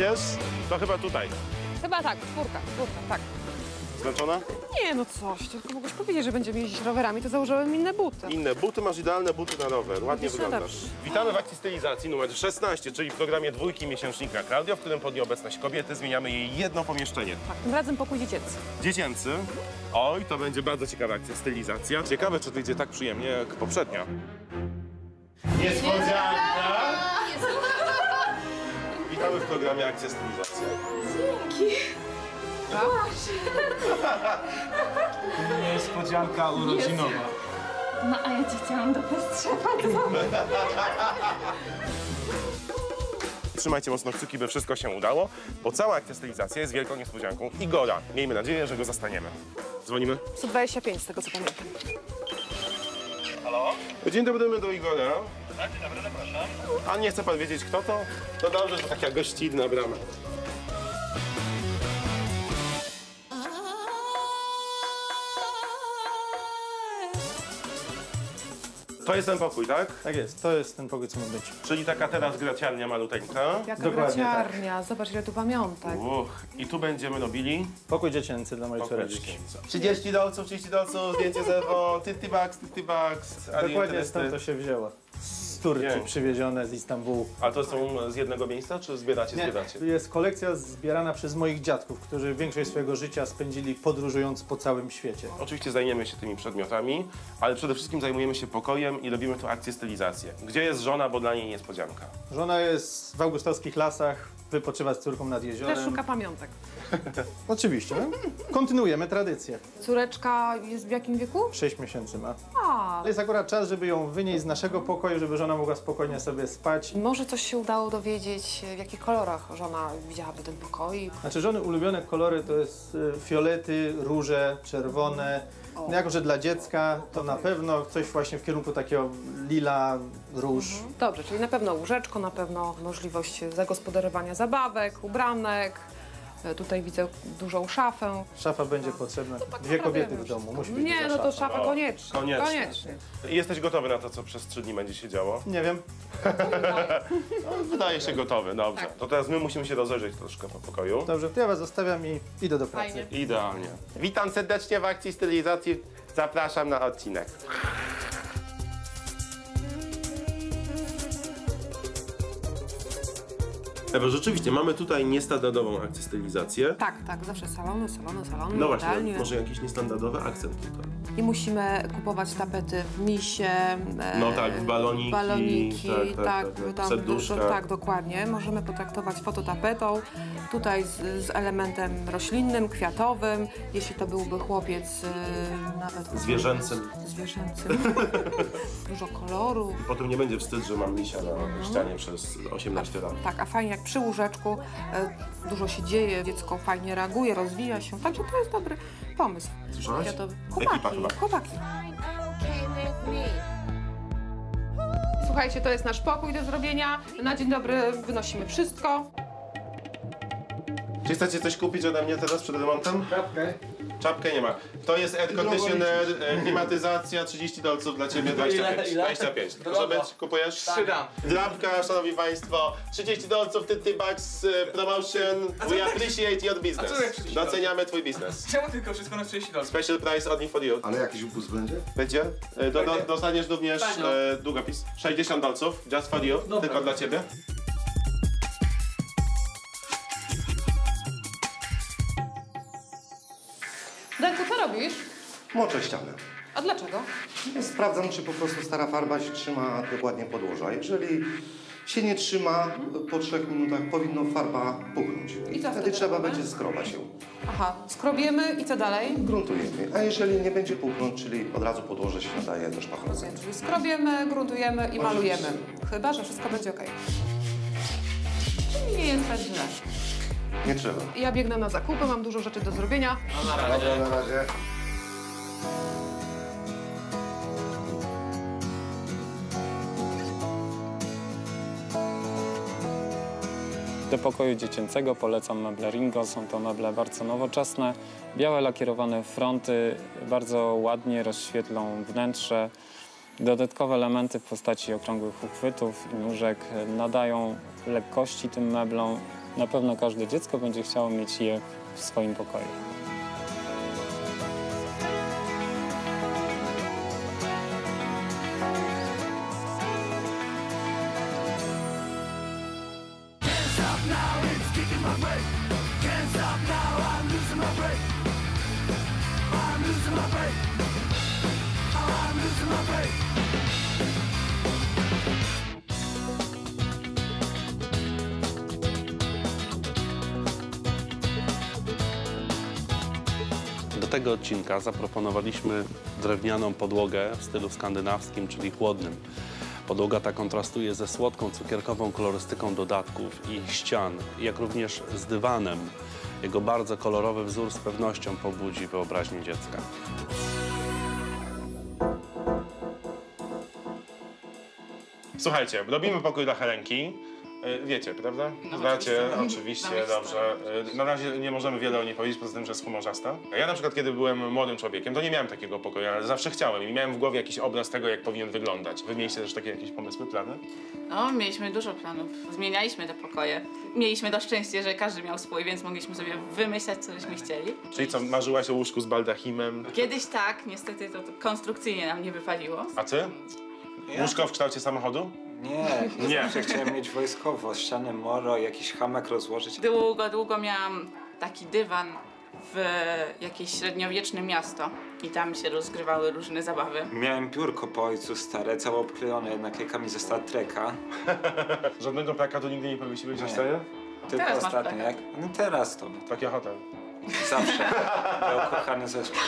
Wiesz? To chyba tutaj. Chyba tak, czwórka, tak. Zmęczona? Nie, no coś, tylko mogłeś powiedzieć, że będziemy jeździć rowerami, to założyłem inne buty. Inne buty, masz idealne buty na rower. Ładnie Widzisz, no wyglądasz. dobrze. Witamy w akcji stylizacji numer 16, czyli w programie dwójki miesięcznika Claudio, w którym pod nieobecność kobiety zmieniamy jej jedno pomieszczenie. Tak, tym razem pokój dziecięcy. Dziecięcy. Oj, to będzie bardzo ciekawa akcja stylizacja. Ciekawe, czy wyjdzie tak przyjemnie jak poprzednia. Niespodzianka! Witamy w programie Akcja Stylizacja. Dzięki. Niespodzianka urodzinowa. No a ja cię chciałam do Pestrzewa. Trzymajcie mocno kciuki, by wszystko się udało, bo cała akcja stylizacja jest wielką niespodzianką Igora. Miejmy nadzieję, że go zastaniemy. Dzwonimy. 125 z tego co pamiętam. Halo? Dzień dobry, my do Igora. Tak, dzień dobry, zapraszam. A nie chce pan wiedzieć, kto to? To dobrze, że taka gościnna brama. To jest ten pokój, tak? Tak jest, to jest ten pokój, co ma być. Czyli taka teraz graciarnia maluteńka. Jaka Dokładnie graciarnia, zobacz ile tu pamiątek. I tu będziemy robili Pokój dziecięcy dla mojej córeczki. 30 dolców, zdjęcie z Ewą, Tyty Bucks. Dokładnie stąd to się wzięło. Z Turcji Pięknie. przywiezione, z Istambułu. A to są z jednego miejsca, czy zbieracie? Tu jest kolekcja zbierana przez moich dziadków, którzy większość swojego życia spędzili podróżując po całym świecie. Oczywiście zajmiemy się tymi przedmiotami, ale przede wszystkim zajmujemy się pokojem i robimy tu akcję stylizację. Gdzie jest żona, bo dla niej niespodzianka. Żona jest w augustowskich lasach, wypoczywa z córką nad jeziorem. Też szuka pamiątek. Oczywiście, no. Kontynuujemy tradycję. Córeczka jest w jakim wieku? 6 miesięcy ma. A, To jest akurat czas, żeby ją wynieść z naszego pokoju, żeby żona mogła spokojnie sobie spać. może coś się udało dowiedzieć, w jakich kolorach żona widziałaby ten pokoik. Znaczy żony ulubione kolory to jest fiolety, róże, czerwone. No jako, że dla dziecka to na pewno coś właśnie w kierunku takiego lila, róż. Dobrze, czyli na pewno łóżeczko, na pewno możliwość zagospodarowania zabawek, ubranek. Tutaj widzę dużą szafę. Szafa będzie potrzebna. Dwie kobiety w domu, musi być Nie, duża no to szafa. szafa koniecznie. Koniecznie. I jesteś gotowy na to, co przez 3 dni będzie się działo? Nie wiem. Wydaje się gotowy, dobrze. Tak. To teraz my musimy się rozejrzeć troszkę po pokoju. Dobrze, to ja was zostawiam i idę do pracy. Fajnie. Idealnie. Witam serdecznie w akcji stylizacji. Zapraszam na odcinek. Ewa, rzeczywiście, mamy tutaj niestandardową akcję stylizację. Tak, zawsze salony, No właśnie, jadalnie. może jakiś niestandardowy akcent tutaj. I musimy kupować tapety w misie. No tak, w baloniki, tak, tam serduszka. tak, dokładnie. Możemy potraktować fototapetą. Tutaj z elementem roślinnym, kwiatowym. Jeśli to byłby chłopiec, nawet Zwierzęcym. zwierzęcym. Dużo kolorów. Potem nie będzie wstyd, że mam misia na ścianie przez 18 lat. Tak, a fajnie jak przy łóżeczku dużo się dzieje, dziecko fajnie reaguje, rozwija się. Także to jest dobry pomysł. Słyszałaś? Kwiatowy. Ekipa chyba. Chłopaki. Słuchajcie, to jest nasz pokój do zrobienia. Na dzień dobry wynosimy wszystko. Czy chcecie coś kupić ode mnie teraz przed remontem? Czapkę. Czapkę nie ma. To jest air conditioner, klimatyzacja, 30 dolców dla ciebie, 25. Ile? 25. Może być? Kupujesz? 3 dam. Drapka, szanowni państwo, 30 dolców, Tyty Bucks promotion. We appreciate your business. A co jak 30 Doceniamy twój biznes. Czemu tylko wszystko na 30 $? Special price only for you. Ale jakiś upust będzie? Będzie? Dostaniesz również długopis. 60 dolców, just for you, Dobra. tylko dla ciebie. Danku, co robisz? Moczę ścianę. A dlaczego? Sprawdzam, czy po prostu stara farba się trzyma dokładnie podłoża. Jeżeli się nie trzyma, po 3 minutach powinno farba puchnąć. I co wtedy wtedy trzeba robimy? będzie skrobać ją. Aha, skrobiemy i co dalej? Gruntujemy. A jeżeli nie będzie puchnąć, czyli od razu podłoże się nadaje do szpachlowania. Czyli skrobiemy, gruntujemy i malujemy. Chyba, że wszystko będzie ok. Czyli nie jest tak źle. Nie trzeba. Ja biegnę na zakupy, mam dużo rzeczy do zrobienia. Dobra, na razie. Do pokoju dziecięcego polecam meble Ringo. Są to meble bardzo nowoczesne. Białe lakierowane fronty bardzo ładnie rozświetlą wnętrze. Dodatkowe elementy w postaci okrągłych uchwytów i nóżek nadają lekkości tym meblom Na pewno każde dziecko będzie chciało mieć je w swoim pokoju. Do tego odcinka zaproponowaliśmy drewnianą podłogę w stylu skandynawskim, czyli chłodnym. Podłoga ta kontrastuje ze słodką, cukierkową kolorystyką dodatków i ścian, jak również z dywanem. Jego bardzo kolorowy wzór z pewnością pobudzi wyobraźnię dziecka. Słuchajcie, robimy pokój dla Helenki. Wiecie, prawda? Znacie, oczywiście, dobrze. Na razie nie możemy wiele o niej powiedzieć, poza tym, że jest humorzasta. Ja na przykład, kiedy byłem młodym człowiekiem, to nie miałem takiego pokoju, ale zawsze chciałem i miałem w głowie jakiś obraz tego, jak powinien wyglądać. Wy mieliście też takie jakieś pomysły, plany? No, mieliśmy dużo planów. Zmienialiśmy te pokoje. Mieliśmy to szczęście, że każdy miał swój, więc mogliśmy sobie wymyślać, co byśmy chcieli. Czyli co, marzyłaś o łóżku z baldachimem? Kiedyś tak, niestety to konstrukcyjnie nam nie wypaliło. A ty? Łóżko w kształcie samochodu? Nie, Nie. zawsze chciałem mieć wojskowo, ścianę moro, jakiś hamak rozłożyć. Długo miałam taki dywan w jakieś średniowieczne miasto i tam się rozgrywały różne zabawy. Miałem piórko po ojcu stare, całe obklejone naklejkami ze Star Treka. Żadnego plakatu nigdy nie powiesiłeś na Nie. ścianie? Tylko Teraz masz ostatnio, plakat. jak? No teraz to, Taki hotel. zawsze. Był kochany zespół.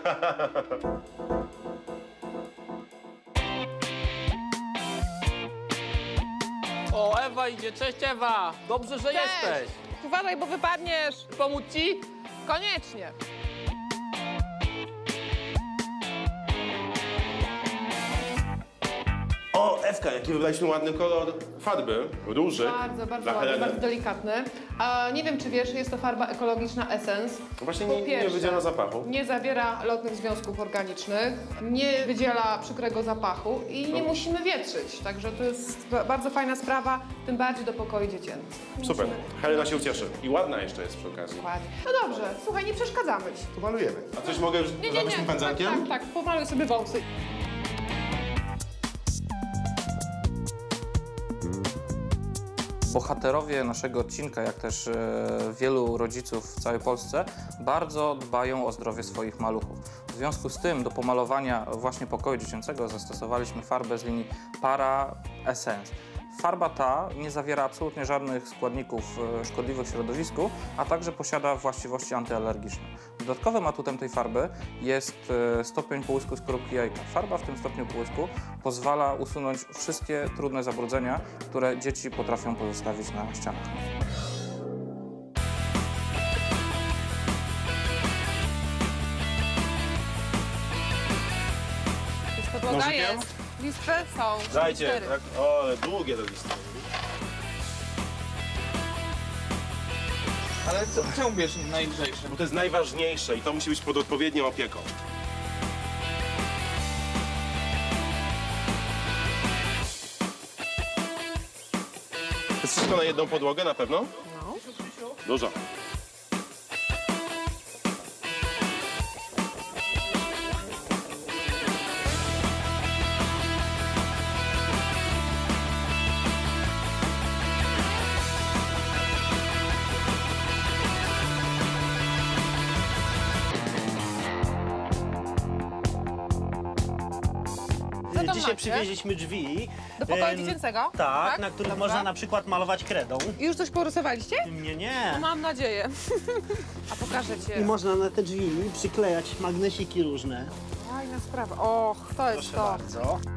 O, Ewa idzie. Cześć, Ewa. Dobrze, że jesteś. Uważaj, bo wypadniesz. Pomóc ci? Koniecznie. O, Ewka, jaki wybraliśmy ładny kolor farby, róży. Bardzo dla ładny, Heleny. bardzo delikatny. A nie wiem, czy wiesz, jest to farba ekologiczna Essence. Właśnie Po nie pierwsze, wydziela zapachu. Nie zawiera lotnych związków organicznych, nie wydziela przykrego zapachu i nie musimy wietrzyć. Także to jest bardzo fajna sprawa, tym bardziej do pokoju dziecięcych. Super, Helena się ucieszy. I ładna jeszcze jest przy okazji. Dokładnie. No dobrze, słuchaj, nie przeszkadzamy ci. Pomalujemy. A coś mogę już zrobić tym pędzelkiem? Tak, pomaluj sobie wąsy. Bohaterowie naszego odcinka, jak też wielu rodziców w całej Polsce, bardzo dbają o zdrowie swoich maluchów. W związku z tym do pomalowania właśnie pokoju dziecięcego zastosowaliśmy farbę z linii Para Essence. Farba ta nie zawiera absolutnie żadnych składników szkodliwych środowisku, a także posiada właściwości antyalergiczne. Dodatkowym atutem tej farby jest stopień połysku skorupki jajka. Farba w tym stopniu połysku pozwala usunąć wszystkie trudne zabrudzenia, które dzieci potrafią pozostawić na ścianach. Podłoga Nożykiem? jest. Listwy są. Dajcie, 4. tak, o, ale długie te listy. Ale czemu bierzesz najlżejsze? Bo to jest najważniejsze i to musi być pod odpowiednią opieką. To jest wszystko na jedną podłogę na pewno? No. Dużo. Co tam Dzisiaj macie? przywieźliśmy drzwi. Do pokoju em, dziecięcego? Tak, na których Dobra. można na przykład malować kredą. I już coś porysowaliście? Nie. Mam nadzieję. A pokażę I ci. można na te drzwi przyklejać magnesiki różne. Fajna sprawa. Och, to jest Proszę to. bardzo.